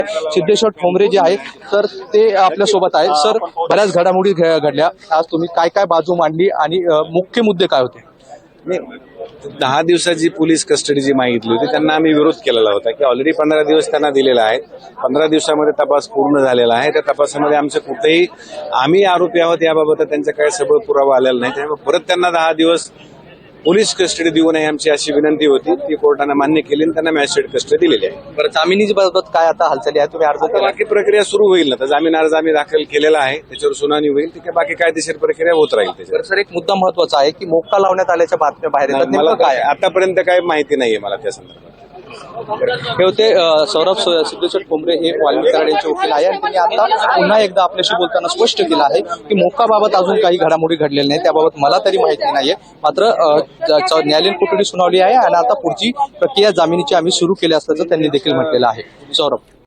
सिद्धेश्वर ठोंबरे जे आहे तर ते आपल्या सोबत आहेत। सर, बऱ्याच घडामोडी घडल्या, आज तुम्ही काय काय बाजू मांडली आणि मुख्य मुद्दे काय होते? 10 दिवसाची पोलीस कस्टडी जी मागितली होती त्यांना आम्ही विरोध केलेला होता की ऑलरेडी 15 दिवस त्यांना दिलेला आहे। 15 दिवसामध्ये तपास पूर्ण झालेला आहे। त्या तपासामध्ये आमचे कुठेही आम्ही आरोपी आहोत याबाबत त्यांचा काही सबळ पुरावा आलेला नाही, त्यामुळे परत त्यांना 10 दिवस पोलीस कस्टडी देऊ नये आमची अशी विनंती होती, ती कोर्टाने मान्य केली आणि त्यांना मॅजिस्ट्रेट कस्टडी दिलेली आहे। बरं, जामिनीची बाबत काय आता हालचाली आहे? तुम्ही अर्ज केला? बाकी प्रक्रिया सुरू होईल ना, तर जामीन अर्ज आम्ही दाखल केलेला आहे, त्याच्यावर सुनावणी होईल, ठीक आहे, बाकी कायदेशीर प्रक्रिया होत राहील त्याच्यावर। सर, एक मुद्दा महत्वाचा आहे की मोक्का लावण्यात आल्याच्या बातम्या बाहेर येतात, मला नेमकं काय? आतापर्यंत काही माहिती नाहीये मला त्या संदर्भात। हे होते सौरभ सिद्धेश्वर ठोंबरे, हे वाल्मिक कराड यांचे वकील आहे आणि त्यांनी आता पुन्हा एकदा आपल्याशी बोलताना स्पष्ट केलं आहे की मोक्काबाबत अजून काही घडामोडी घडलेल्या नाही, त्याबाबत मला तरी माहिती नाहीये। मात्र न्यायालयीन कोठडी सुनावली आहे आणि आता पुढची प्रक्रिया जामिनीची आम्ही सुरू केली असल्याचं त्यांनी देखील म्हटलेलं आहे। सौरभ.